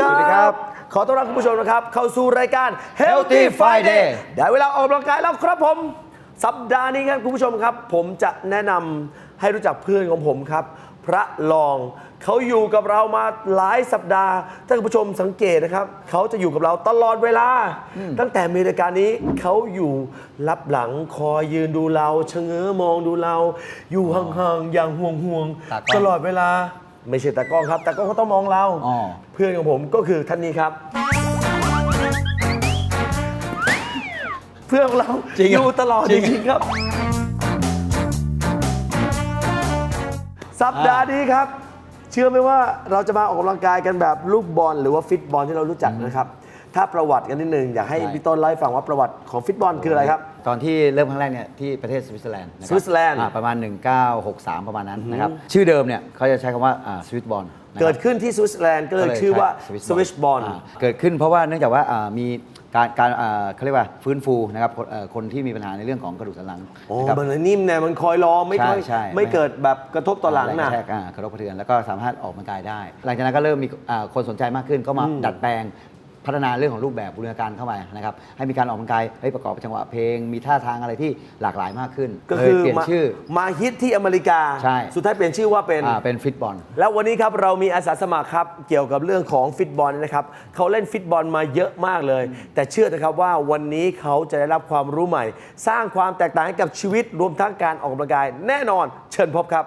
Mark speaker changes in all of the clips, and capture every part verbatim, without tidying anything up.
Speaker 1: ครับ
Speaker 2: สวัสดีครับ
Speaker 1: ขอต้อนรับคุณผู้ชมนะครับเข้าสู่รายการ
Speaker 2: Healthy Friday
Speaker 1: ได้เวลาออกกำลังกายแล้วครับผมสัปดาห์นี้ครับคุณผู้ชมครับ ผมจะแนะนำให้รู้จักเพื่อนของผมครับ พระรองเขาอยู่กับเรามาหลายสัปดาห์ถ้าคุณผู้ชมสังเกตนะครับเขาจะอยู่กับเราตลอดเวลา ตั้งแต่มีรายการนี้เขาอยู่รับหลังคอยยืนดูเราชะเง้อมองดูเรา อยู่ห่างๆอย่างห่วง
Speaker 2: ตากล้อง
Speaker 1: ๆตลอดเวลาไม่ใช่ตากล้องครับตากล้องเขาต้องมองเรา
Speaker 2: อ๋อ
Speaker 1: เพื่อนของผมก็คือท่านนี้ครับ เพื่อนของเรา
Speaker 2: จริงเหรอ
Speaker 1: อยู่ตลอด
Speaker 2: จ
Speaker 1: จ
Speaker 2: ริง
Speaker 1: ริงๆครับ สัปดาห์นี้ครับ เชื่อไหมว่าเราจะมาออกกำลังกายกันแบบลูกบอลหรือว่าฟิตบอลที่เรารู้จักนะครับ ถ้าประวัติกันนิดนึงอยากให้พี่ต้นเล่าให้ฟังว่าประวัติของฟิตบอลคืออะไรครับ
Speaker 2: ตอนที่เริ่มครั้งแรกเนี่ยที่ประเทศสวิตเซอร์แลนด์นะคบ
Speaker 1: สวิตเซอร์แลนด์
Speaker 2: อ่าประมาณ หนึ่งเก้าหกสาม ประมาณนั้นนะครับชื่อเดิมเนี่ยเขาจะใช้คำว่าสวิตบอล
Speaker 1: เกิดขึ้นที่สวิตเซอร์แลนด์ก็เลยชื่อว่าสวิชบอล
Speaker 2: เกิดขึ้นเพราะว่าเนื่องจากว่าอ่ามีการการอ่าเขาเรียกว่าฟื้นฟูนะครับคนเอ่อคนที่มีปัญหาในเรื่องของกระดูกสันหลัง
Speaker 1: โอ้
Speaker 2: นะครับ
Speaker 1: มันนิ่มเนี่ยมันคอยรอไม่ค่อย
Speaker 2: ใช่ใช่
Speaker 1: ไม่เกิดแบบกระทบต่อหลัง
Speaker 2: แรงก
Speaker 1: นะ
Speaker 2: ระแทกอ่ากระทบกระเทือนแล้วก็สามารถออกกำลังกายได้ หลังจากนั้นก็เริ่มมีอ่าคนสนใจมากขึ้นก็มาดัดแปลงพัฒนาเรื่องของรูปแบบบูรณาการเข้ามานะครับให้มีการออกกำลังกายให้ประกอบจังหวะเพลง มีท่าทางอะไรที่หลากหลายมากขึ้น
Speaker 1: ก็
Speaker 2: เล
Speaker 1: คื
Speaker 2: ย
Speaker 1: อ
Speaker 2: เปลี่ยน
Speaker 1: มา
Speaker 2: ชื่อ
Speaker 1: มาฮิตที่อเมริกา
Speaker 2: ใช่
Speaker 1: สุดท้ายเปลี่ยนชื่อว่าเป็น
Speaker 2: อ่าเป็นฟิตบอล
Speaker 1: แล้ววันนี้ครับเรามีอาสาสมัครครับเกี่ยวกับเรื่องของฟิตบอลนะครับเขาเล่นฟิตบอลมาเยอะมากเลย แต่เชื่อนะครับว่าวันนี้เขาจะได้รับความรู้ใหม่ สร้างความแตกต่างให้กับชีวิตรวมทั้งการออกกำลังกายแน่นอนเชิญพบครับ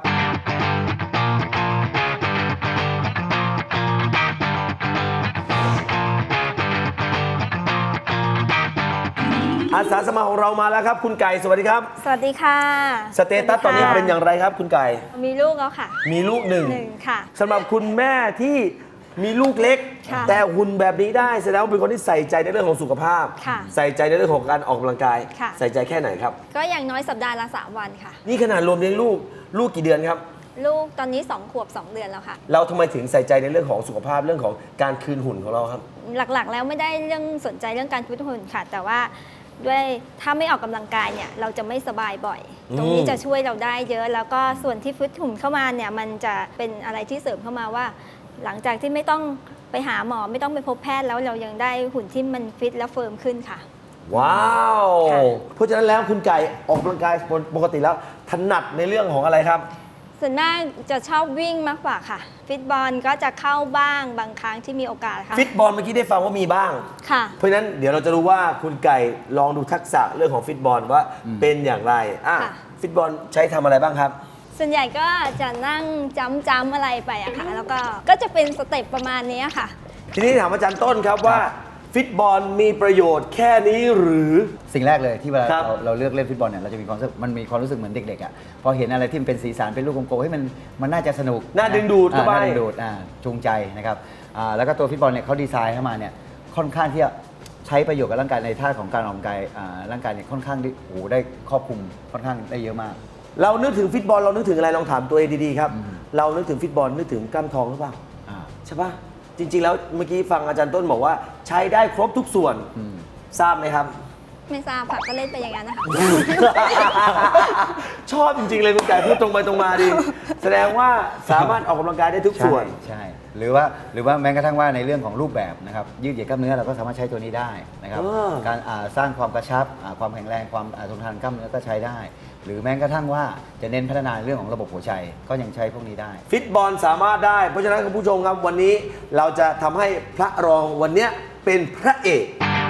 Speaker 1: อาสาสมัครของเรามาแล้วครับ คุณไก่สวัสดีครับ
Speaker 3: สวัสดีค่ะ
Speaker 1: สเตตัสตอนนี้เป็นอย่างไรครับ คุณไก่
Speaker 3: มีลูกแล้วค่ะ
Speaker 1: มีลูกหนึ่ง
Speaker 3: หนึ่งค่ะ
Speaker 1: สำหรับคุณแม่ที่มีลูกเล็ก
Speaker 3: ค่ะ
Speaker 1: แต่หุ่นแบบนี้ได้แสดงว่าเป็นคนที่ใส่ใจในเรื่องของสุขภาพ
Speaker 3: ค่ะ
Speaker 1: ใส่ใจในเรื่องของการออกกำลังกาย
Speaker 3: ค่ะ
Speaker 1: ใส่ใจแค่ไหนครับ
Speaker 3: ก็อย่างน้อยสัปดาห์ละสามวันค่ะ
Speaker 1: นี่ขนาดรวมเลี้ยงลูกลูกกี่เดือนครับ
Speaker 3: ลูกตอนนี้สองขวบสองเดือนแล้วค่ะ
Speaker 1: เราทำไมถึงใส่ใจในเรื่องของสุขภาพเรื่องของการคืนหุ่นของเราครับ
Speaker 3: หลักๆ แล้วไม่ได้เรื่องสนใจเรื่องการฟิตหุ่นค่ะ แต่ว่าด้วยถ้าไม่ออกกำลังกายเนี่ยเราจะไม่สบายบ่อย
Speaker 1: อืม
Speaker 3: ตรงนี้จะช่วยเราได้เยอะ แล้วก็ส่วนที่ฟิตหุ่นเข้ามาเนี่ยมันจะเป็นอะไรที่เสริมเข้ามาว่า หลังจากที่ไม่ต้องไปหาหมอไม่ต้องไปพบแพทย์แล้วเรายังได้หุ่นที่มันฟิตและเฟิร์มขึ้นค่ะ
Speaker 1: ว้าว
Speaker 3: ค่ะ
Speaker 1: เพราะฉะนั้นแล้วคุณไก่ออกกำลังกายปกติแล้วถนัดในเรื่องของอะไรครับ
Speaker 3: ส่วนมากจะชอบวิ่งมากกว่าค่ะฟิตบอลก็จะเข้าบ้างบางครั้งที่มีโอกาสค่ะ
Speaker 1: ฟิตบอลเมื่อกี้ได้ฟังว่ามีบ้าง
Speaker 3: ค่ะ
Speaker 1: เพราะฉะนั้นเดี๋ยวเราจะรู้ว่าคุณไก่ลองดูทักษะเรื่องของฟิตบอลว่าเป็นอย่างไรอ่ะ
Speaker 3: ค่ะ
Speaker 1: ฟิตบอลใช้ทำอะไรบ้างครับ
Speaker 3: ส่วนใหญ่ก็จะนั่งจ้ำจ้ำอะไรไปอะค่ะ แล้วก็ก็จะเป็นสเต็ปประมาณนี้ค่ะ
Speaker 1: ทีนี้ถามอาจารย์ต้นครับว่าฟิตบอลมีประโยชน์แค่นี้หรือ
Speaker 2: สิ่งแรกเลยที่เวลา
Speaker 1: ครับ
Speaker 2: เราเราเลือกเล่นฟุตบอลเนี่ยเราจะมีความรู้สึกมันมีความรู้สึกเหมือนเด็กๆอ่ะพอเห็นอะไรที่มันเป็นสีสันเป็นลูกกลมๆให้ยมันมันน่าจะสนุก
Speaker 1: น่าดึงดูดเข้าไป
Speaker 2: อ่น่าดึงดูดอ่าจูงใจนะครับอ่าแล้วก็ตัวฟุตบอลเนี่ยเขาดีไซน์เข้ามาเนี่ยค่อนข้างที่จะใช้ประโยชน์กับร่างกายในท่าของการออกกำลังกายอ่าร่างกายเนี่ยค่อนข้างที่โอ้โหได้ครอบคลุมค่อนข้างได้เยอะมาก
Speaker 1: เรานึกถึงฟิตบอลเรานึกถึงอะไรลองถามตัวเองดีๆครับ เรานึกถึงฟิตบอลนึกถึงกล้ามท้องหรือเปล่า
Speaker 2: อ่า
Speaker 1: ใช่ปะจริงๆแล้วเมื่อกี้ฟังอาจารย์ต้นบอกว่าใช้ได้ครบทุกส่วน
Speaker 2: อืม
Speaker 1: ทราบไหมครับ
Speaker 3: ไม่ทราบค่ะก็เล่นไปอย่างนั้นนะคะ
Speaker 1: ชอบจริงๆเลยคุณไก่พูดตรงไปตรงมาดี แสดงว่าสามารถออกกำลังกายได้ทุกส่วน
Speaker 2: ใช่ใช่หรือว่าหรือว่าแม้กระทั่งว่าในเรื่องของรูปแบบนะครับยืดเหยียดกล้ามเนื้อเราก็สามารถใช้ตัวนี้ได้นะครับ
Speaker 1: เออ
Speaker 2: การอ่าสร้างความกระชับอ่าความแข็งแรงความอ่าทนทานกล้ามเนื้อก็ใช้ได้ หรือแม้กระทั่งว่าจะเน้นพัฒนาเรื่องของระบบหัวใจก็ยังใช้พวกนี้ได้
Speaker 1: ฟิตบอลสามารถได้ เพราะฉะนั้นคุณผู้ชมครับวันนี้เราจะทำให้พระรองวันเนี้ยเป็นพระเอก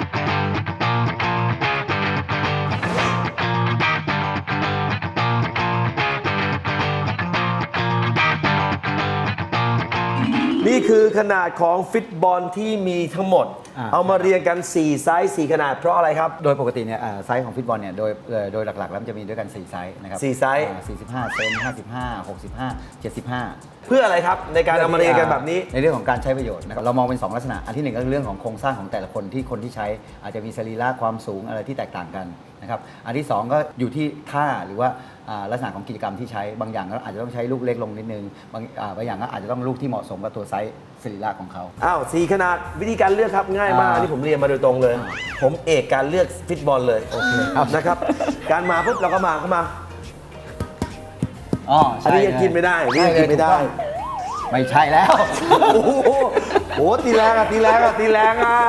Speaker 1: นี่คือขนาดของฟิตบอลที่มีทั้งหมด
Speaker 2: อ่า
Speaker 1: เอามาเรียงกัน สี่ไซส์สี่ขนาดเพราะอะไรครับ
Speaker 2: โดยปกติเนี่ยอ่าไซส์ของฟุตบอลเนี่ยโดยเอ่อโดยหลักๆ แล้วมันจะมีด้วยกัน สี่ ไซส์นะครับ
Speaker 1: สี่ไซส์
Speaker 2: อ่าสี่สิบห้าเซนห้าสิบห้า หกสิบห้า เจ็ดสิบห้า
Speaker 1: เพื่ออะไรครับในการเอามาเรียงกันแบบนี้
Speaker 2: ในเรื่องของการใช้ประโยชน์นะครับเรามองเป็น สอง ลักษณะ อันที่หนึ่งก็คือเรื่องของโครงสร้างของแต่ละคนที่คนที่ใช้อาจจะมีสรีระความสูงอะไรที่แตกต่างกันนะครับอันที่สองก็อยู่ที่ท่าหรือว่าอ่าลักษณะของกิจกรรมที่ใช้บางอย่างก็อาจจะต้องใช้ลูกเล็กลงนิดนึงบางอ่าบางอย่างก็อาจจะต้องลูกที่เหมาะสมกับตัวไซส์สรีระของเขา
Speaker 1: อ้าวสี่ขนาดวิธีการเลือกครับง่ายมาก
Speaker 2: อ่า
Speaker 1: อันนี้ผมเรียนมาโดยตรงเลย ผมเอกการเลือกฟิตบอลเลยนะครับ การมาปุ๊บเราก็มาเข้ามา
Speaker 2: อ๋อ
Speaker 1: อัน
Speaker 2: ใช่
Speaker 1: นี้ยังกินไม่ได้อันนี้ยังกินไม่ได้
Speaker 2: ใช่เลยถูกต้องไม่ใช่แล้ว
Speaker 1: โอ้โหโอ้โหตีแรงอ่ะตีแรงอ่ะตีแรงอ่ะ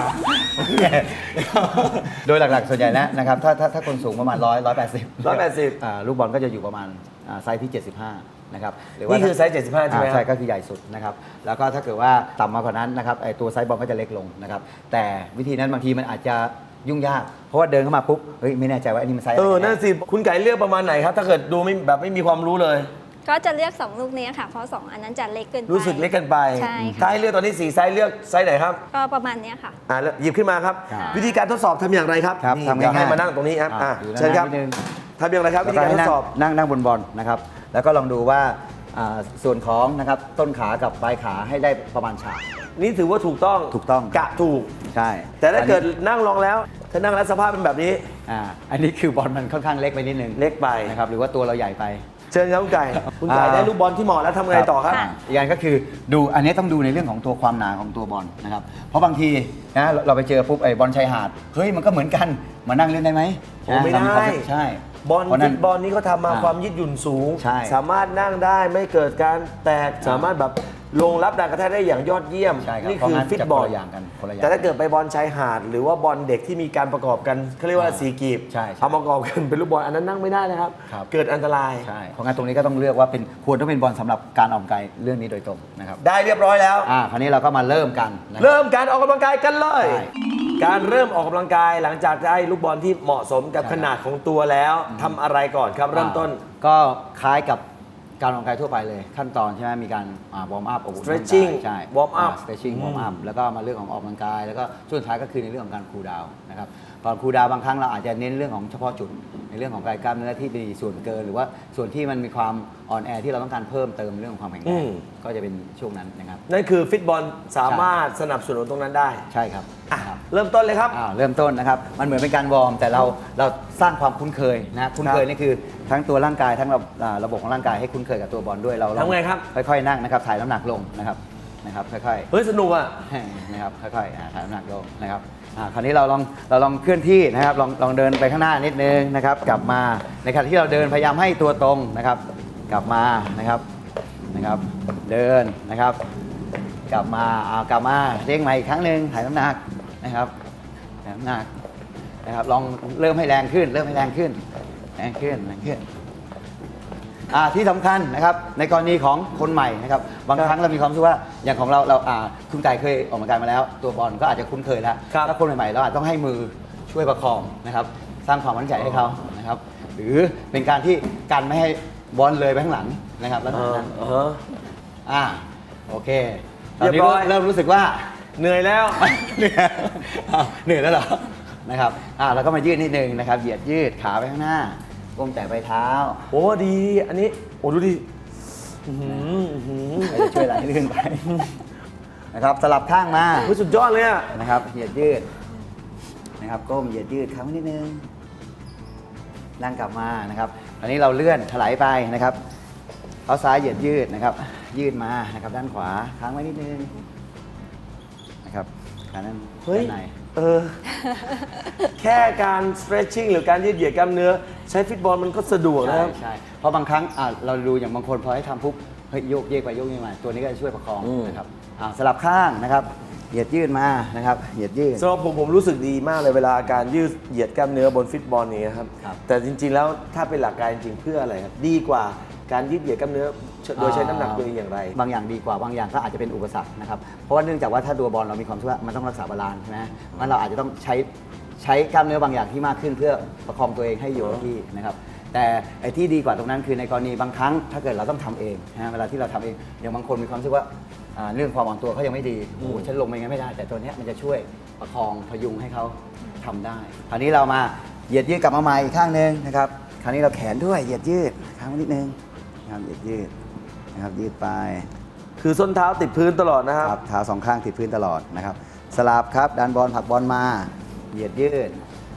Speaker 2: โดยหลักๆส่วนใหญ่แล้วนะครับถ้าถ้าถ้าคนสูงประมาณร้อยร้อยแปดสิบ
Speaker 1: ร้อยแปดสิบ
Speaker 2: ลูกบอลก็จะอยู่ประมาณอ่าไซส์ที่ เจ็ดสิบห้า นะครับหรืว่า
Speaker 1: นี่คือไซส์เจ็ดสิบห้าใช่ไหม
Speaker 2: อ่า
Speaker 1: ครับ
Speaker 2: ใช่ก็คือใหญ่สุดนะครับแล้วก็ถ้าเกิดว่าต่ำมากกว่านั้นนะครับไอตัวไซส์บอลก็จะเล็กลงนะครับแต่วิธีนั้นบางทีมันอาจจะยุ่งยากเพราะว่าเดินเข้ามาปุ๊บเฮ้ยไม่แน่ใจว่าอันนี้มันไซส์อะ
Speaker 1: เอ
Speaker 2: ไร
Speaker 1: อ
Speaker 2: กั
Speaker 1: นั่นสิคุณไก่เลือกประมาณไหนครับ ถ้าเกิดดูไม่แบบไม่มีความรู้เลย
Speaker 3: ก็จะเลือกสองลูกนี้ค่ะ เพราะสองอันนั้นจะเล็กเกินไป
Speaker 1: รู้สึกเล็กเกันไป
Speaker 3: ใช่ค่ะ
Speaker 1: ถ้าให้เลือกตอนนี้สี่ไซส์เลือกไซส์ไหนครับ
Speaker 3: ก็ประมาณเนี้ยค่ะ
Speaker 1: อ่าแล้วหยิบขึ้นมาครับ วิธีการทดสอบทำอย่างไรครับ
Speaker 2: ครับ
Speaker 1: นี่
Speaker 2: ทำ
Speaker 1: อยาก
Speaker 2: ง่ายๆ
Speaker 1: ให้มานั่งตรงนี้ครับ
Speaker 2: อ่า
Speaker 1: อ่า
Speaker 2: อยู่ด้าน
Speaker 1: เชิญครับ
Speaker 2: หน้านิดนึง
Speaker 1: ทำอย่างไรครับวิธีการทดสอบ
Speaker 2: นั่งนั่งบนบอลนะครับแล้วก็ลองดูว่าอ่าส่วนของนะครับต้นขากับปลายขาให้ได้ประมาณฉาก
Speaker 1: นี่ถือว่าถูกต้อง
Speaker 2: ถูกต้อง
Speaker 1: กะถูก
Speaker 2: ใช่
Speaker 1: แต่ถ้าเกิด
Speaker 2: อันนี้
Speaker 1: นั่งลองแล้ว ถ้านั่งแล้วสภาพเป็นแบบนี้
Speaker 2: อ่าอันนี้คือบอลมันค่อนข้างเล็กไปนิดนึง
Speaker 1: เล็กไป
Speaker 2: นะครับหรือว่าตัวเราใหญ่ไป
Speaker 1: เชิญครับคุณไก่คุณไก่
Speaker 2: อ่า
Speaker 1: ได้ลูกบอลที่เหมาะแล้วทำไงต่อครับ
Speaker 3: ค่ะ
Speaker 2: อีกอย่างก็คือดูอันนี้ต้องดูในเรื่องของตัวความหนาของตัวบอลนะครับเพราะบางทีนะเราเราไปเจอปุ๊บไอ้บอลชายหาดเฮ้ยมันก็เหมือนกันมานั่งเล่นได้ไหม
Speaker 1: โอ้ไม่ได้
Speaker 2: นะเราควาใช่
Speaker 1: บอล
Speaker 2: เพราะ
Speaker 1: ฟุ
Speaker 2: นั้น
Speaker 1: ตบอลนี่เขาทำมา
Speaker 2: อ่า
Speaker 1: ความยืดหยุ่นสูง
Speaker 2: ใช่
Speaker 1: สามารถนั่งได้ไม่เกิดการแตกสามารถแบบลงรับแรงกระแทกได้อย่างยอดเยี่ยม
Speaker 2: ใช่ครับ
Speaker 1: นี่
Speaker 2: เพราะ
Speaker 1: คือ
Speaker 2: งั้น
Speaker 1: ฟิต
Speaker 2: จะ
Speaker 1: บ
Speaker 2: ค
Speaker 1: อน ล
Speaker 2: ละอย่างกันคนละอย่าง
Speaker 1: แต่ถ้าเกิดไปบอลชายหาด หรือว่าบอลเด็กที่มีการประกอบกันเขาเรียกว่า
Speaker 2: อ่า
Speaker 1: สีกีบ
Speaker 2: ใช่ใช่
Speaker 1: เอามากรอบกันเป็นลูกบอลอันนั้นนั่งไม่ได้นะครับ
Speaker 2: ครับ
Speaker 1: เกิดอันตราย
Speaker 2: ใช่เพราะงั้นตรงนี้ก็ต้องเลือกว่าเป็นควรต้องเป็นบอลสำหรับการออกกำลังกายเรื่องนี้โดยตรงนะครับ
Speaker 1: ได้เรียบร้อยแล้ว
Speaker 2: อ่าคราวนี้เราก็มาเริ่มกันนะครับ
Speaker 1: เริ่มการออกกำลังกายกันเลย
Speaker 2: ใช่
Speaker 1: การเริ่มออกกำลังกายหลังจากได้ลูกบอลที่เหมาะสมกับ
Speaker 2: ใช่
Speaker 1: ขนาดของตัวแล้วทำอะไรก่อนครับเริ่มต้น
Speaker 2: อ่าก็คล้ายกับการออกกำลังกายทั่วไปเลยขั้นตอนใช่ไหมมีการวอร์มอัพ
Speaker 1: Stretching
Speaker 2: ใช่
Speaker 1: warm up
Speaker 2: สเตรชชิ่งวอร์มอัพแล้วก็มาเรื่องของออกกำลังกาย แล้วก็ช่วงสุดท้ายก็คือในเรื่องของการคูลดาวน์นะครับตอนคูลดาวน์บางครั้งเราอาจจะเน้นเรื่องของเฉพาะจุดในเรื่องของกายกล้ามเนื้อที่มีส่วนเกิน หรือว่าส่วนที่มันมีความอ่อนแอที่เราต้องการเพิ่มเติมเรื่องของความแข็งแร
Speaker 1: อื
Speaker 2: ง
Speaker 1: ม
Speaker 2: ก็จะเป็นช่วงนั้นนะครับ
Speaker 1: นั่นคือฟิตบอลสามารถสนับสนุนตรงนั้นได้
Speaker 2: ใช่ครับ
Speaker 1: อ่ะ
Speaker 2: ครับ
Speaker 1: เริ่มต้นเลยครับ
Speaker 2: อ่าเริ่มต้นนะครับ มันเหมือนเป็นการวอร์มแต่เราเราสร้างความคุ้นเคยนะคุ้นเคยนี่คือทั้งตัวร่างกายทั้งระอ่าระบบของร่างกายให้คุ้นเคยกับตัวบอลด้วยเราลอ
Speaker 1: ทำไงครับ
Speaker 2: ค่อยๆนั่งนะครับถ่ายน้ำหนักลงนะครับนะครับค่อย
Speaker 1: เฮ้ยสนุกอ่ะ
Speaker 2: ๆนะครับค่อยๆอ่าถ่ายน้ำหนักลงนะครับอ่าคราวนี้เราลองเราลองเคลื่อนที่นะครับลองลองเดินไปข้างหน้านิดนึงนะครับกลับมาในขณะที่เราเดินพยายามให้ตัวตรงนะครับกลับมานะครับนะครับเดินนะครับ กลับมาเอากลับมาเด้งใหม่อีกครั้งหนึ่งถ่ายน้ำหนักนะครับถ่ายน้ำหนักนะครับลองเริ่มให้แรงขึ้น เริ่มให้แรงขึ้นแรงขึ้นแรงขึ้นอ่าที่สำคัญนะครับในกรณีของคนใหม่นะครับบางครั้งเรามีความรู้สึกว่าอย่างของเราเราอ่าคุณไก่เคยออกกำลังกายมาแล้ว ตัวบอลก็อาจจะคุ้นเคยแล้ว
Speaker 1: ครับ
Speaker 2: ถ้าคนใหม่ๆเราอาจต้องให้มือช่วยประคองนะครับสร้างความมั่นใจให้เขานะครับหรือเป็นการที่กันไม่ให้บอลเลยไปข้างหลังนะครับแล้ว
Speaker 1: เออ
Speaker 2: นั้น
Speaker 1: เออ
Speaker 2: อ่าโอเคตอนนี้
Speaker 1: เรียบร้อย
Speaker 2: เริ่มรู้สึกว่า
Speaker 1: เหนื่อยแล้ว
Speaker 2: เหนื่อยอ้าวเหนื่อยแล้วเหรอนะครับอ่าเราก็มายืดนิดนึงนะครับเหยียดยืดขาไปข้างหน้าก้มแต่ไปเท้า
Speaker 1: โอ้ดี อันนี้ โอ้ดูดิอื้อหืออื้อหือ
Speaker 2: ไม่ได้ช่วยอะไรให้ลื่นไปนะครับสลับข้างมา
Speaker 1: เฮ้ยสุดยอดเลยอ่ะ
Speaker 2: นะครับเหยียดยืดนะครับก้มเหยียดยืดค้างไว้นิดนึงนั่งกลับมานะครับอันนี้เราเลื่อนถลายไปนะครับเท้าซ้ายเหยียดยืดนะครับ ยืดมานะครับด้านขวาค้างไว้นิดนึงนะครับขานั้น
Speaker 1: เฮ้ย
Speaker 2: ด้านใน
Speaker 1: เออ แค่การ stretching หรือการยืดเหยียดกล้ามเนื้อ ใช้ฟิตบอลมันก็สะดวก
Speaker 2: ใช่
Speaker 1: นะครับ
Speaker 2: ใช่เพราะบางครั้งอ่ะเราดูอย่างบางคนพอให้ทำปุ๊บเฮ้ยโยกเยกไปโยกเยกมาตัวนี้ก็จะช่วยประคอง
Speaker 1: อืม
Speaker 2: นะครับอ่าสลับข้างนะครับเหยียดยืดมานะครับเหยียดยืด
Speaker 1: สำหรับผมผมรู้สึกดีมากเลยเวลาการยืดเหยียดกล้ามเนื้อบนฟิตบอลนี้ครับ
Speaker 2: ครับ
Speaker 1: แต่จริงๆแล้วถ้าเป็นหลักการจริงๆเพื่ออะไรครับ ดีกว่าการยืดเหยียดกล้ามเนื้อโดยใช้น้ำหนักตัวเองอย่างไร
Speaker 2: บางอย่างดีกว่าบางอย่างก็อาจจะเป็นอุปสรรคนะครับเพราะว่าเนื่องจากว่าถ้าตัวบอลเรามีความเชื่อว่ามันต้องรักษาบาลานซ์ใช่ไหมมันเราอาจจะต้องใช้ใช้กล้ามเนื้อบางอย่างที่มากขึ้นเพื่อประคองตัวเองให้อยู่กับที่นะครับแต่ไอ้ที่ดีกว่าตรงนั้นคือในกรณีบางครั้งถ้าเกิดเราต้องทำเองนะเวลาที่เราทำเองอย่างบางคนมีความรู้สึกว่าอ่าเรื่องความอ่อนตัวเขายังไม่ดีโอ้โหฉันลงไปงั้นไม่ได้ แต่ตัวเนี้ยมันจะช่วยประคองพยุงให้เขาทำได้คราวนี้เรามาเหยียดยืดกลับมาใหม่อีกข้างหนึ่งนะครับคราวนี้เราแขนด้วยเหยียดยืดค้างไว้นิดนึงนะครับเหยียดยืดนะครับยืดไป
Speaker 1: คือส้นเท้าติดพื้นตลอดนะครับ
Speaker 2: ครับเท้าสองข้างติดพื้นตลอดนะครับ สลับครับดันบอลผลักบอลมาเหยียดยืด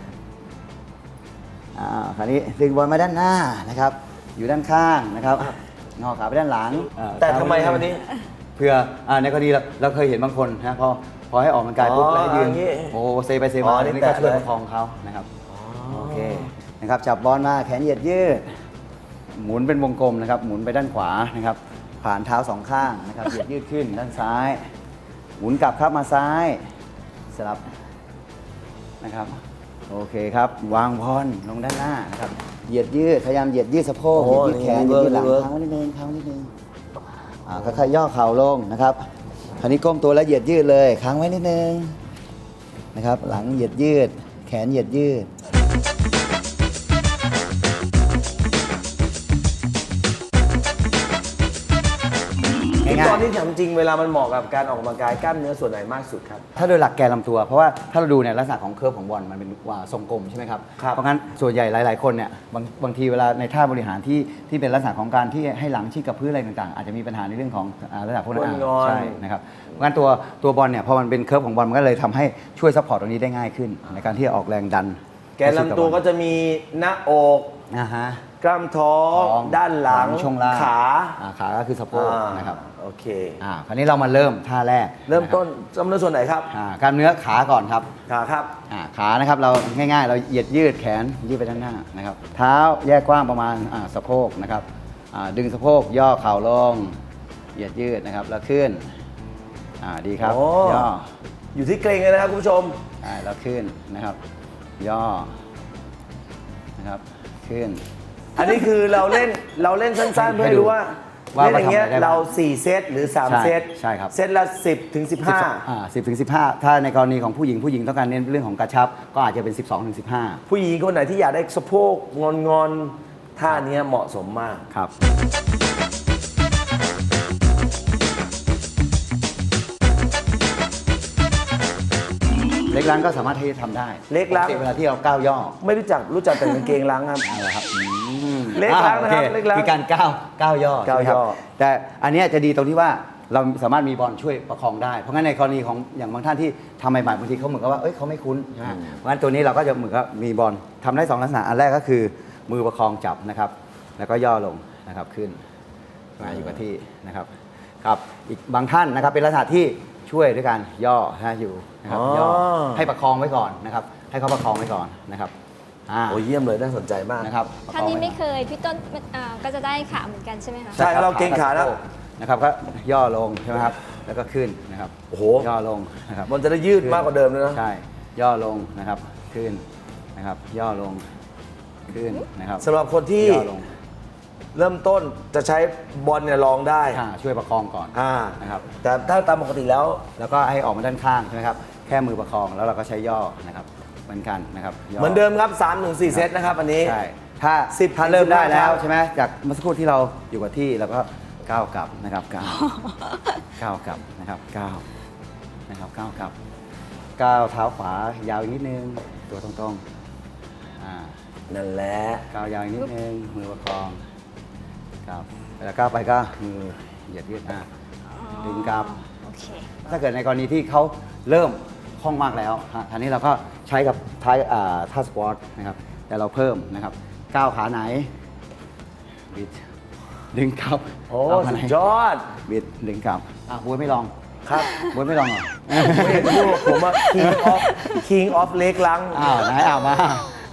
Speaker 2: อ่าคราวนี้ดึงบอลมาด้านหน้านะครับ อยู่ด้านข้างนะครับงอขาไปด้านหลังอ่า
Speaker 1: แต่ทำไมครับวันนี้
Speaker 2: เพื่ออ่าในกรณีเราเราเคยเห็นบางคนนะพอพอให้ออกกำลังกายปุ๊บ
Speaker 1: อ๋อ
Speaker 2: แล้วให้ยืน
Speaker 1: อย่างงี้
Speaker 2: โอ้เซไปเซ
Speaker 1: อ๋
Speaker 2: มา
Speaker 1: อ
Speaker 2: อัน
Speaker 1: นี่
Speaker 2: นี้ก็ช่วย
Speaker 1: แตะเลย
Speaker 2: ประคองเขานะครับโอเคนะครับจับบอลมาแขนเหยียดยืดหมุนเป็นวงกลมนะครับหมุนไปด้านขวานะครับผ่านเท้าสองข้างนะครับเหยียดยืดขึ้นด้านซ้าย หมุนกลับครับมาซ้ายสลับนะครับโอเคครับวางพรลงด้านหน้านะครับเหยียดยืดพยายามเหยียดยืดสะโพก
Speaker 1: โอ้
Speaker 2: เหยียดยืดแขนเหยียดยืดหลัง
Speaker 1: เวิร์ก
Speaker 2: ค้างไว้นิดนึงค้างไว้นิดนึงอ่าค่อยๆย่อเข่าลงนะครับคราวนี้ก้มตัวแล้วเหยียดยืดเลยค้างไว้นิดนึงนะครับหลังเหยียดยืดแขนเหยียดยืด
Speaker 1: ตอนที่ถามจริงเวลามันเหมาะกับการออกกำลังกายกล้ามเนื้อส่วนไหนมากสุดครับ
Speaker 2: ถ้าโดยหลักแกนลำตัว เพราะว่าถ้าเราดูเนี่ยลักษณะของเคอร์ฟของบอลมันเป็นว่าทรงกลมใช่ไหมครับ
Speaker 1: ครับ
Speaker 2: เพราะงั้นส่วนใหญ่หลาย ๆ คนเนี่ยบางบางทีเวลาในท่าบริหารที่ที่เป็นลักษณะของการที่ให้หลังชิดกับพื้นอะไรต่าง ๆ อาจจะมีปัญหาในเรื่องของอ่าลักษณะพวกนั้น
Speaker 1: ก้นงอน
Speaker 2: ใช่นะครับเพราะงั้นตัวตัวบอลเนี่ยพอมันเป็นเคอร์ฟของบอลมันก็เลยทำให้ช่วยซัพพอร์ตตรงนี้ได้ง่ายขึ้น ในการที่จะออกแรงดัน
Speaker 1: แกนลำตัวก็จะมีหน้าอก
Speaker 2: อ่าฮะ
Speaker 1: กล้ามท้อง
Speaker 2: ท้อง
Speaker 1: ด้านหลัง
Speaker 2: ช่วงล่าง
Speaker 1: ขา
Speaker 2: อ่าขาก็คือสะโพก
Speaker 1: อ่า
Speaker 2: นะครับ
Speaker 1: โอเค
Speaker 2: อ่าคราวนี้เรามาเริ่มท่าแรก
Speaker 1: เริ่ม
Speaker 2: ะคบ
Speaker 1: ต้นกล้ามเนื้อส่วนไหนครับ
Speaker 2: อ่ากล้ามเนื้อขาก่อนครับ
Speaker 1: ขาครับ
Speaker 2: อ่าขานะครับเราง่ายๆ เราเหยียดยืดแขนยืดไปด้านหน้านะครับเท้าแยกกว้างประมาณอ่าสะโพกนะครับอ่าดึงสะโพกย่อเข่าลงเหยียดยืดนะครับแล้วขึ้นอ่าดีครับ
Speaker 1: โอ้
Speaker 2: ย่อ
Speaker 1: อยู่ที่เกรงเลยนะครับคุณผู้ชม
Speaker 2: อ่าแล้วขึ้นนะครับย่อนะครับขึ้น
Speaker 1: อันนี้คือเราเล่นเราเล่นสั้นๆเพื่อให้รู้ว่า
Speaker 2: ว่า
Speaker 1: เล่นอย่างเงี้ย
Speaker 2: ว่าทำอะไรได้บ้าง
Speaker 1: เราสี่เซตหรือสาม
Speaker 2: ใช่
Speaker 1: เซต
Speaker 2: ใช่ครับ
Speaker 1: เซตละสิบถึงสิบห้า
Speaker 2: อ่าสิบถึงสิบห้าถ้าในกรณีของผู้หญิงผู้หญิงต้องการเน้นเรื่องของกระชับ ก็อาจจะเป็นสิบสองถึงสิบห้า
Speaker 1: ผู้หญิงคนไหนที่อยากได้สะโพกงอนงอนๆท่าเนี้ยเหมาะสมมาก
Speaker 2: ครับเล็กล้างก็สามารถที่จะทำได้
Speaker 1: เล็กล้าง
Speaker 2: ปติเวลาที่เราก้าวย่อ
Speaker 1: ไม่รู้จักรู้จักแต่กางเกงล้างครับ
Speaker 2: เอาละครับอืม
Speaker 1: เล็กล้างนะครับ
Speaker 2: อ่โอเค
Speaker 1: เล็กล้าง
Speaker 2: คือการก้าวก้าวย่อ
Speaker 1: ก้าว
Speaker 2: ใช่ไหมครับ
Speaker 1: ย่อ
Speaker 2: แต่อันเนี้ยจะดีตรงที่ว่าเราสามารถมีบอลช่วยประคองได้ เพราะงั้นในกรณีของอย่างบางท่านที่ทำใหม่ๆบางทีเขาเหมือนกับว่าเอ้ยเขาไม่คุ้นใช่ไหมเพราะงั้นตัวนี้เราก็จะเหมือนกับมีบอลทำได้สองลักษณะอันแรกก็คือมือประคองจับนะครับ แล้วก็ย่อลงนะครับขึ้นมาอยู่กับที่นะครับครับอีกบางท่านนะครับเป็นลักษณะที่ช่วยด้วยการย่อนะอยู่นะครับ
Speaker 1: อ๋อ
Speaker 2: ย่อให้ประคองไว้ก่อนนะครับให้เขาประคองไว้ก่อนนะครับอ่า
Speaker 1: โอ้ยเยี่ยมเลยน่าสนใจมาก
Speaker 2: นะครับ
Speaker 3: ท่านนี้ไม่
Speaker 2: ประคองว้ก่อ
Speaker 3: เคย พี่ต้นอ่าก็จะได้ขาเหมือนกันใช่ไหมคะ
Speaker 1: ใช่ครับเราเกรงขานะ
Speaker 2: นะครับก็ย่อลงใช่ไหมครับแล้วก็ขึ้นนะครับ
Speaker 1: โอ้โห
Speaker 2: ย่อลงนะครับ
Speaker 1: มันจะได้ยืดมากกว่าเดิมเลยนะ
Speaker 2: ใช่ย่อลงนะครับขึ้นนะครับย่อลงขึ้นนะครับ
Speaker 1: สำหรับคนที่
Speaker 2: ย่อลง
Speaker 1: เริ่มต้นจะใช้บอลเนี่ยลองได้
Speaker 2: อ่าช่วยประคองก่อน
Speaker 1: อ่า
Speaker 2: นะครับ
Speaker 1: แต่ถ้าตามปกติแล้ว
Speaker 2: แล้วก็ให้ออกมาด้านข้างใช่ไหมครับแค่มือประคองแล้วเราก็ใช้ย่อนะครับเหมือนกันนะครับย่
Speaker 1: เหมือนเดิมครับสามถึงสี่เซตนะครับอันนี้
Speaker 2: ใช่ถ้า
Speaker 1: สิบ
Speaker 2: ถ้าเริ่มได้
Speaker 1: สิบห้า
Speaker 2: แล้ว
Speaker 1: ครับ
Speaker 2: ใช่ไหมจากเมื่อสักครู่ที่เราอยู่กับที่เราก็ก้าวกลับนะครับก้าวก้าวกลับนะครับก้าวนะครับก้าวกลับก้าวเท้าขวายาวอีกนิดนึงตัวตรงๆอ่า
Speaker 1: นั่นแหละ
Speaker 2: ก้าวยาวอีกนิดนึงมือประคองครับเวลาก้าวไปก็มือเหยียดยืดหน้าดึงกลับ
Speaker 3: โอเค
Speaker 2: ถ้าเกิดในกรณีที่เขาเริ่มคล่องมากแล้วฮะทีนี้เราก็ใช้กับท้ายอ่าท่าสควอตนะครับแต่เราเพิ่มนะครับก้าวขาไหนบิดดึงกลับ
Speaker 1: โอ้
Speaker 2: ก้าวขา
Speaker 1: สุ
Speaker 2: ไหน
Speaker 1: ดยอด
Speaker 2: บิดดึงกลับอ่ะบวยไม่ลอง
Speaker 1: ครับ
Speaker 2: บวยไม่ลองเหรอ
Speaker 1: ไม่เห็นพูดผมว่า king of king of เล็กลัง
Speaker 2: อ้าวไหนอ้าวมา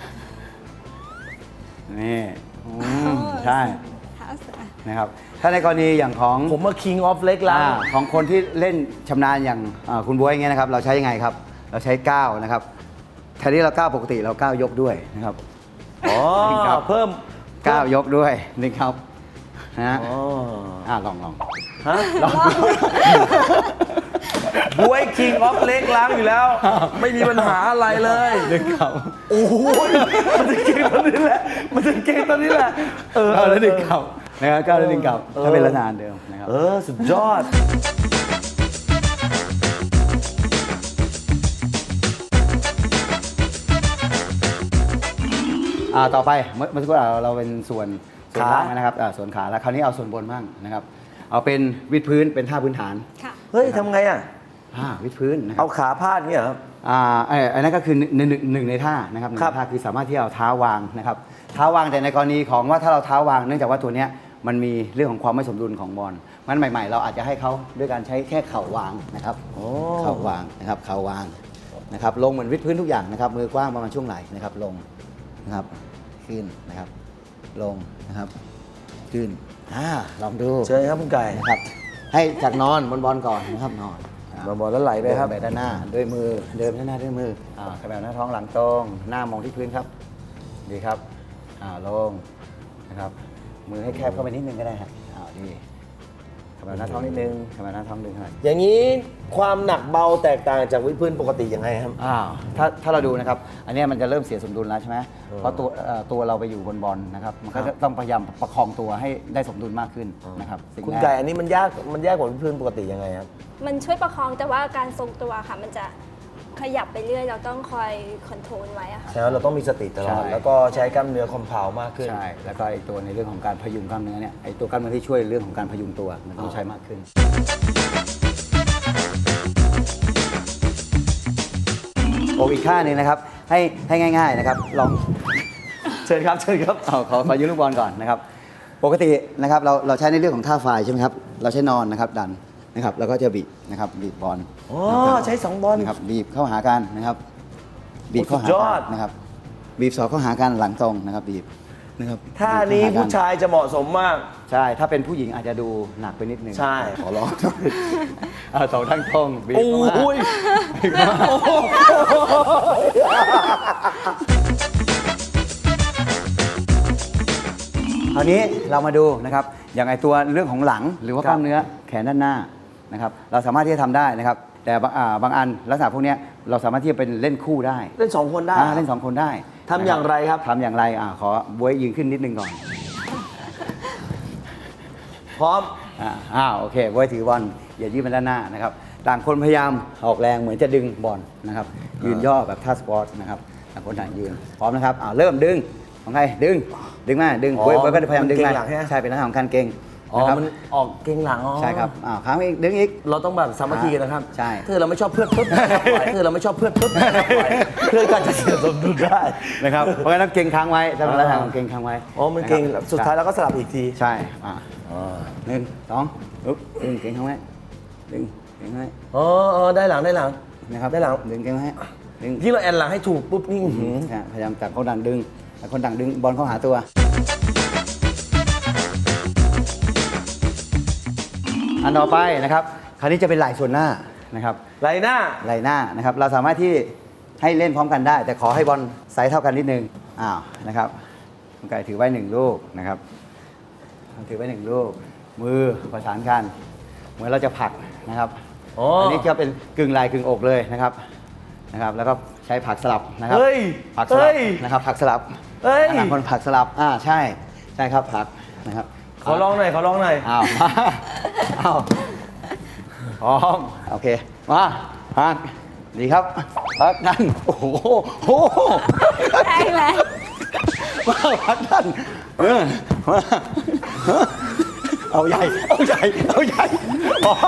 Speaker 2: นี่อืมใช่
Speaker 3: เท้าเสือ
Speaker 2: นะครับถ้าในกรณีอย่างของ
Speaker 1: ผมว่า king of เล็กลัง
Speaker 2: อ่าของคนที่เล่นชำนาญอย่างอ่าคุณบ๊วยอย่างเงี้ยนะครับ เราใช้ยังไงครับ เราใช้ก้าวนะครับแทนที่เราก้าวปกติเราก้าวยกด้วยนะครับ
Speaker 1: อ๋อ
Speaker 2: ครับ
Speaker 1: เพิ่ม
Speaker 2: ก้าวยกด้วยนี่ครับนะฮะ
Speaker 1: อ๋อ
Speaker 2: อ่าลองลอง
Speaker 1: ฮะบวย king of เล็กลังอยู่แล้ว ไม่มีปัญหาอะไรเลย
Speaker 2: ดึงครับ
Speaker 1: โอ้โหมันจะเก่งตอนนี้แหละ มันจะเก่งตอนนี้แหละ เออ
Speaker 2: ก้าวแล้วดึงกลับนะครับก้าวแล้วดึงกลับ
Speaker 1: เออ
Speaker 2: ถ้าเป็นลักษณะเดิมนะครับ
Speaker 1: เออ สุดยอด
Speaker 2: อ่าต่อไปเมื่อเมื่อสักครู่เราเราเป็นส่วนส่วน
Speaker 1: ขา
Speaker 2: ล่างนะครับอ่าส่วนขาแล้วคราวนี้เอาส่วนบนบ้างนะครับ เอาเป็นวิดพื้นเป็นท่าพื้นฐาน
Speaker 3: ค่ะ
Speaker 1: เฮ้ยทำไงอ่ะ
Speaker 2: อ่าวิดพื้นนะครั
Speaker 1: เอา
Speaker 2: บ
Speaker 1: ขาพาดเนี่ยเหรอครับ
Speaker 2: อ่าไอ้ไอ้นั่นก็คือหนึ่งหนึ่งหนึ่งในท่านะครับหนึ่ง
Speaker 1: ครับ
Speaker 2: ในท่าคือสามารถที่เอาเท้าวางนะครับเท้าวางแต่ในกรณีของว่าถ้าเราเท้าวางเนื่องจากว่าตัวเนี้ยมันมีเรื่องของความไม่สมดุลของบอลมันใหม่ ๆ เราอาจจะให้เขาด้วยการใช้แค่เข่าวางนะครับ
Speaker 1: โอ้
Speaker 2: เข่าวางนะครับเข่าวางนะครับลงเหมือนวิดพื้นทุกอย่างนะครับมือกว้างประมาณช่วงไหล่นะครับลงนะครับขึ้นนะครับลงนะครับขึ้นอ่าลองดู
Speaker 1: เชิญครับคุณไก่
Speaker 2: นะครับ ให้จากนอนบนบอลก่อนนะครับนอน
Speaker 1: มาบอลแล้วไหลไปครับ
Speaker 2: เดินไปด้านหน้าด้วยมือเดินด้านหน้าด้วยมืออ่าขยับหน้าท้องหลังตรงหน้ามองที่พื้นครับดีครับอ่าลงนะครับมือให้แคบเข้าไปนิดนึงก็ได้ฮะอ่าดีขยับหน้าท้องนิดนึงขยับหน้าท้องดึงขนาด
Speaker 1: อย่างนี้ความหนักเบาแตกต่างจากวิดพื้นปกติยังไงครับ
Speaker 2: อ่าถ้าถ้าเราดูนะครับอันเนี้ยมันจะเริ่มเสียสมดุลแล้วใช่ไหมเพราะตัวเอ่อตัวเราไปอยู่บนบอลนะครับมันก็จะต้องพยายามประคองตัวให้ได้สมดุลมากขึ้นนะครับสิ่ง
Speaker 1: คุณ
Speaker 2: แร
Speaker 1: ไก่
Speaker 2: ก
Speaker 1: อันนี้มันยากมันยากกว่าวิดพื้นปกติยังไงครับ
Speaker 3: มันช่วยประคองแต่ว่าการทรงตัวค่ะ มันจะขยับไปเรื่อย เราต้องคอยคอนโทรลไว้อะค่ะ
Speaker 1: ใช่ไหมเราต้องมีสติตลอด
Speaker 2: ใช่
Speaker 1: แล้วก็ใช้กล้ามเนื้อคอมเพลมากขึ้น
Speaker 2: ใช่แล้วก็ไอตัวในเรื่องของการพยุงกล้ามเนื้อเนี่ยไอตัวกล้ามเนื้อที่ช่วยเรื่องของการพยุงตัวมันต้องใช้มากขึ้น โออีกท่าหนึงนะครับให้ให้ง่ายๆนะครับลอง
Speaker 1: เชิญครับเชิญครับ
Speaker 2: เอาขอขอยืมลูกบอลก่อนนะครับปกตินะครับเราเราใช้ในเรื่องของท่าไฟใช่ไหมครับเราใช้นอนนะครับดันนะครับแล้วก็จะบีบนะครับบีบบอล
Speaker 1: อ๋อ
Speaker 2: นะครับ
Speaker 1: ใช้สองบอล
Speaker 2: นะครับบีบเข้าหากันนะครับบีบเข้าหา
Speaker 1: สุดยอ
Speaker 2: กั
Speaker 1: ด
Speaker 2: นนะครับบีบศอกเข้าหากันหลังตรงนะครับบีบนะครับ
Speaker 1: ท่านี้
Speaker 2: บีบเข้ห
Speaker 1: ผู้
Speaker 2: กัน
Speaker 1: ชายจะเหมาะสมมาก
Speaker 2: ใช่ถ้าเป็นผู้หญิงอาจจะดูหนักไปนิดนึง
Speaker 1: ใช่
Speaker 2: ขอร้อง เอาสองทั้งตรงบีบ
Speaker 1: โอ้
Speaker 2: เข้ามา
Speaker 1: ย
Speaker 2: บีบเข้ามาคราวนี้เรามาดูนะครับอย่างไอตัวเรื่องของหลังหรือว่ากล้ามเนื้อแขนด้านหน้านะครับเราสามารถที่จะทำได้นะครับแต่บางอ่าบางอันลักษณะพวกเนี้ยเราสามารถที่จะเป็นเล่นคู่ได้
Speaker 1: เล่นสองคนได้
Speaker 2: อ่าเล่นสองคนได้
Speaker 1: ทำอย่างไรครับ
Speaker 2: ทำอย่างไรอ่าขอบวยยืนขึ้นนิดนึงก่อน
Speaker 1: พร้อม
Speaker 2: อ่าอ้าวโอเคบวยถือบอลอย่ายืดไปด้านหน้านะครับต่างคนพยายามออกแรงเหมือนจะดึงบอลนะครับยืนย่อแบบท่าสปอร์ตนะครับต่างคนต่างยืนพร้อมนะครับอ่าเริ่มดึงของใครดึงดึงมาดึง
Speaker 1: อ๋อ
Speaker 2: บวยบวยก็พยายามดึง
Speaker 1: มันเกร็
Speaker 2: มาง
Speaker 1: หลังใช่ไหม
Speaker 2: ใช่เป็นลักษณะของการเก่ง
Speaker 1: อ๋อ
Speaker 2: นะครับ
Speaker 1: มันออกเก่งหลังอ๋อ
Speaker 2: ใช่ครับอ่าครั้งอีกดึงอีก
Speaker 1: เราต้องแบบสามัคคีกันนะครับ
Speaker 2: ใช่
Speaker 1: ถ้าเราไม่ชอบเพื่อนปุ๊บปล่อยถ้าเราไม่ชอบเพื่อนปุ๊บปล่อยเพื่อนก็จะเสียสมดุลได้
Speaker 2: นะครับเพราะฉะนั้นเก่งค้างไว้จะเป็นลักษณะของเก่งค้างไว้
Speaker 1: อ๋อมันเก่ง
Speaker 2: ะครับ
Speaker 1: สุดท้ายเราก็สลับอีกที
Speaker 2: ใช่อ่าหนึ่งสองปึ๊บดึงเก่งค้างไว้ดึงเก่งค้างไว้
Speaker 1: อ๋ออ๋อได้หลังได้หลัง
Speaker 2: นะครับ
Speaker 1: ได้หลัง
Speaker 2: ดึงเก่งไว้ดึง
Speaker 1: ยิ่งเราแอนหลังให้ถูกปุ๊บนี่อื้อหือ
Speaker 2: อ่ะพยายามต่างคนต่างดึงต่างคนต่างดึงบอลเข้าหาตัวอันต่อไปนะครับคราวนี้จะเป็นไหล่ส่วนหน้านะครับ
Speaker 1: ไหลหน้า
Speaker 2: ไหล่หน้านะครับเราสามารถที่ให้เล่นพร้อมกันได้ แต่ขอให้บอลไซส์เท่ากันนิดนึงอ้าวนะครับคุณไก่ถือไว้หนึ่งลูกนะครับถือไว้หนึ่งลูกมือประสานกันเหมือนเราจะผลักนะครับ
Speaker 1: อ๋ออั
Speaker 2: นนี้จะเป็นกึ่งไหล่กึ่งอกเลยนะครับนะครับ แล้วก็ใช้ผลักสลับนะครับ
Speaker 1: เฮ้ย
Speaker 2: ผลักสลั
Speaker 1: เฮ้
Speaker 2: บ
Speaker 1: ย
Speaker 2: นะครับผลักสลับ
Speaker 1: เฮ้ย
Speaker 2: ต่างคนผลักสลับอ่าใช่ใช่ครับผลักนะครับ
Speaker 1: ขอลองหน่อยขอลองหน่อย
Speaker 2: อ้าว อ้าวพร้อมโอเคมาพักดีครับพักนั่นโอ้โหโอ้โห
Speaker 3: ได้ไหม
Speaker 2: มาพักนั่นเออมาเอาใหญ่เอาใหญ่เอาใหญ่พอ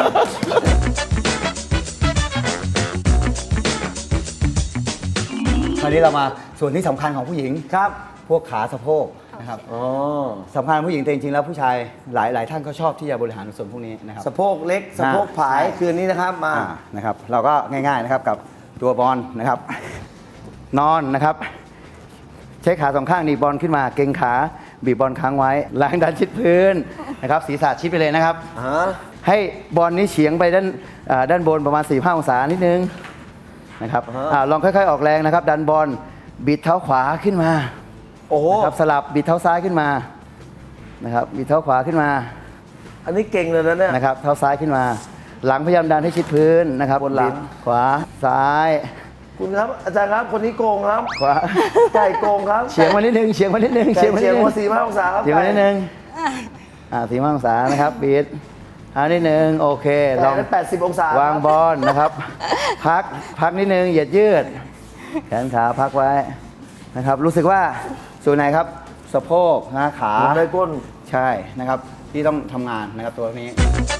Speaker 2: คราวนี้เรามาส่วนที่สำคัญของผู้หญิง
Speaker 1: ครับ
Speaker 2: พวกขาสะโพกนะครับ
Speaker 1: อ๋อ
Speaker 2: สำคัญผู้หญิงแต่จริงๆแล้วผู้ชายหลายหลายท่านก็ชอบที่จะบริหารส่วนพวกนี้นะครับ
Speaker 1: สะโพกเล็กสะโพกผาย
Speaker 2: ใช่
Speaker 1: คืนนี้นะครับมา
Speaker 2: อ่านะครับเราก็ง่ายๆนะครับกับตัวบอลนะครับ นอนนะครับใช้ขาสองข้างหนีบบอลขึ้นมาเกร็งขาบีบบอลค้างไว้ล้างดันชิดพื้นนะครับศีรษะชิดไปเลยนะครับ
Speaker 1: ฮะ
Speaker 2: ให้บอลนี้เฉียงไปด้านอ่าด้านบนประมาณสี่ห้าองศานิดนึงนะครับอ่าลองค่อยๆออกแรงนะครับ ดันบอลบิดเท้าขวาขึ้นมา
Speaker 1: โอ้โห
Speaker 2: นะครับสลับบิดเท้าซ้ายขึ้นมานะครับบิดเท้าขวาขึ้นมา
Speaker 1: อันนี้เก่งเลยนะเนี่ย
Speaker 2: นะครับเท้าซ้ายขึ้นมา หลังพยายามดันให้ชิดพื้นนะครับ
Speaker 1: บนหลัง
Speaker 2: บิดขวาซ้าย
Speaker 1: คุณครับอาจารย์ครับคนนี้โกงครับ
Speaker 2: ขวา
Speaker 1: ไก่โกงครับ
Speaker 2: เฉียงมานิดนึงเฉียงมานิดนึง
Speaker 1: ไก่
Speaker 2: เฉียงมานิ
Speaker 1: เฉีย
Speaker 2: ด
Speaker 1: ง
Speaker 2: นึง
Speaker 1: มาสี่ห้าองศาครับ
Speaker 2: เฉียงมานิดนึงอ่าสี่ห้าองศานะครับบิดเอานิดนึงโอเคล
Speaker 1: ล
Speaker 2: อ
Speaker 1: อง งแปดสิบองศาว
Speaker 2: างบอลนะครับ พักพักนิดนึงเหยียดยืด แขนขาพักไว้นะครับ รู้สึกว่าส่วนไหนครับสะโพกนะขา
Speaker 1: ได้ก้น
Speaker 2: ใช่นะครับที่ต้องทำงานนะครับตัวนี้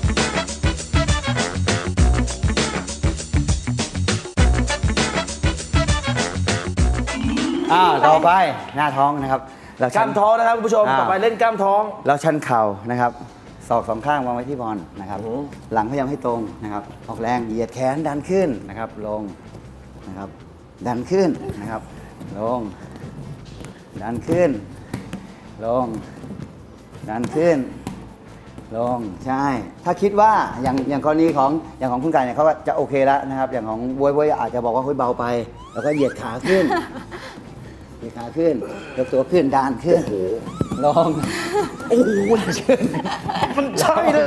Speaker 2: อ่าต่อไปหน้าท้องนะครับเรา
Speaker 1: ก
Speaker 2: ชั
Speaker 1: ล้าน มท้องนะครับคุณผู้ชม
Speaker 2: อ่า
Speaker 1: ต่อไปเล่นกล้ามท้อง
Speaker 2: เราชันเข่านะครับศอกสองข้างวางไว้ที่บอลนะครับ
Speaker 1: อือหือ
Speaker 2: หลังพยายามให้ตรงนะครับออกแรงเหยียดแขนดันขึ้นนะครับลงนะครับดันขึ้นนะครับลงดันขึ้นลงดันขึ้น ลงใช่ ถ้าคิดว่าอย่างอย่างกรณีของอย่างของคุณไก่เนี่ยเขาก็จะโอเคแล้วนะครับ อย่างของบวยบวยอาจจะบอกว่าเฮ้ยเบาไป แล้วก็เหยียดขาขึ้น เหยียดขาขึ้นยกตัวขึ้นดันขึ้นลงโอ้โหชื่น
Speaker 1: มันใช่เลย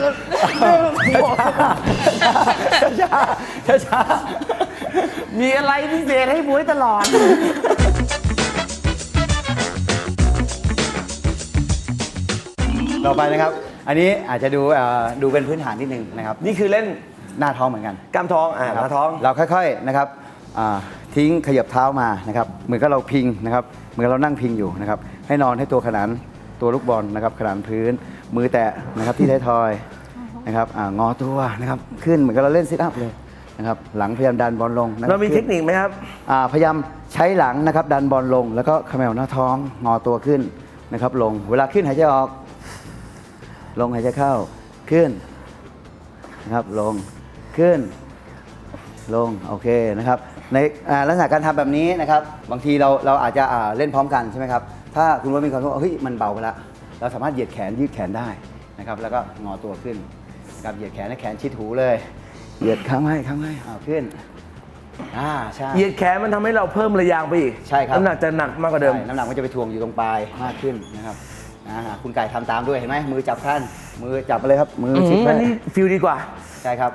Speaker 1: ช้าช้าช้ามีอะไรพิเศษให้บวยตลอด
Speaker 2: ต่อไปนะครับ อันนี้อาจจะดูเอ่อดูเป็นพื้นฐานนิดนึงนะครับ
Speaker 1: นี่คือเล่น
Speaker 2: หน้าท้องเหมือนกัน
Speaker 1: กล้ามท้องอ่า
Speaker 2: นะ
Speaker 1: ห
Speaker 2: ครับ
Speaker 1: น้าท้อง
Speaker 2: เราค่อยๆนะครับอ่าทิ้งขยับเท้ามานะครับเหมือนกับเราพิงนะครับเหมือนเรานั่งพิงอยู่นะครับให้นอนให้ตัวขนานตัวลูกบอลนะครับขนานพื้น มือแตะนะครับที่ท้ายทอยนะครับอ่างอตัวนะครับขึ้นเหมือนกับเราเล่นซิทอัพเลยนะครับหลังพยายามดันบอลลงนะคบ
Speaker 1: เรามีเทคนิคไหมครับ
Speaker 2: อ่าพยายามใช้หลังนะครับดันบอลลง แล้วก็เขมวหน้าท้องงอตัวขึ้นนะครับลงเวลาขึ้นหายใจออก ลงหายใจเข้าขึ้นนะครับลงขึ้นลงโอเคนะครับในอ่าลักษณะการทำแบบนี้นะครับบางทีเราเราอาจจะอ่าเล่นพร้อมกันใช่ไหมครับถ้าคุณว่ามีความรู้สึกว่าเฮ้ยมันเบาไปแล้วเราสามารถเหยียดแขนยืดแขนได้นะครับแล้วก็งอตัวขึ้นนะครับเหยียดแขนให้แขนชิดหูเลยเหยียดข้างไว้ข้างไว้อ้าวขึ้นอ่าใช่
Speaker 1: เหยียดแขนมันทำให้เราเพิ่มระยางไปอีก
Speaker 2: ใช่ครับ
Speaker 1: น้ำหนักจะหนักมากกว่าเดิม
Speaker 2: ใช่น้ำหนักมันจะไปทวงอยู่ตรงปลายมากขึ้นนะครับอ่าคุณไก่ทำตามด้วยเห็นไหมมือจับท่านมือจับมาเลยครับมือ
Speaker 1: อื
Speaker 2: ชิด
Speaker 1: ม
Speaker 2: ไว้
Speaker 1: อันนี้ฟิลดีกว่า
Speaker 2: ใช่ครับ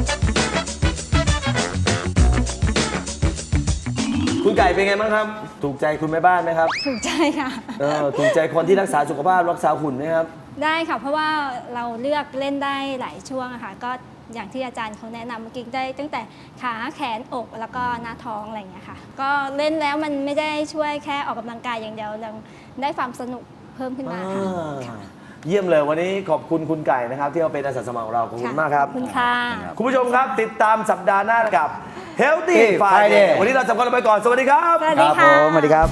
Speaker 1: คุณไก่เป็นไงบ้างครับ ถูกใจคุณแม่บ้านไหมครับ
Speaker 3: ถูกใจค่ะ
Speaker 1: เออถูกใจคนที่รักษาสุขภาพรักษาหุ่นไหมครับ
Speaker 3: ได้ค่ะ เพราะว่าเราเลือกเล่นได้หลายช่วงอะค่ะก็อย่างที่อาจารย์เขาแนะนำเมื่อกี้ได้ตั้งแต่ขาแขนอกแล้วก็หน้าท้องอะไรอย่างเงี้ยค่ะ ก็เล่นแล้วมันไม่ได้ช่วยแค่ออกกำลังกายอย่างเดียวยังได้ความสนุกเพิ่มขึ้นมาค่ะค่ะ
Speaker 1: เยี่ยมเลยวันนี้ขอบคุณคุณไก่นะครับ ที่มาเป็นอาสาสมัครของเราขอบคุณมากครับ
Speaker 3: ขอบคุณค่ะ
Speaker 1: คุณผู้ชมครับติดตามสัปดาห์หน้ากับ Healthy
Speaker 2: Friday
Speaker 1: Friday วันนี้เราสองคนลาไปก่อน สวัสดีครับ
Speaker 3: สวัส
Speaker 2: ค
Speaker 3: ดี
Speaker 2: รับผ
Speaker 3: ค่ะ
Speaker 2: มสวัสดีครับ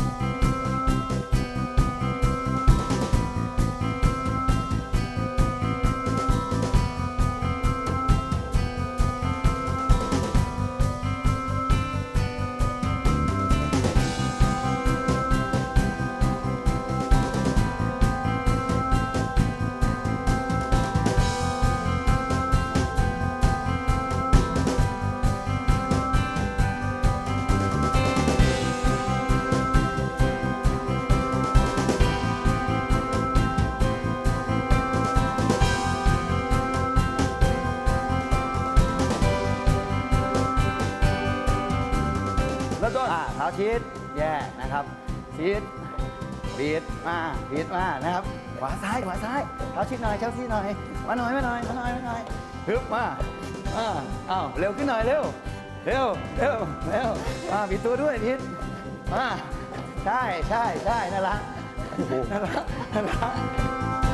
Speaker 1: แล้วต้น
Speaker 2: อ่าเท้าชิดแย่นะครับชิดบีดมาบีดมานะครับขวาซ้ายขวาซ้ายเท้าชิดหน่อยเท้าชิดหน่อยมาหน่อยมาหน่อยมาหน่อยมาหน่อยฮึบมาอ่าอ้าวเร็วขึ้นหน่อยเร็วเร็วเร็วเร็วอ่าบีดตัวด้วยบีดมาใช่ใช่ใช่นั่นละนั่นละนั่นละ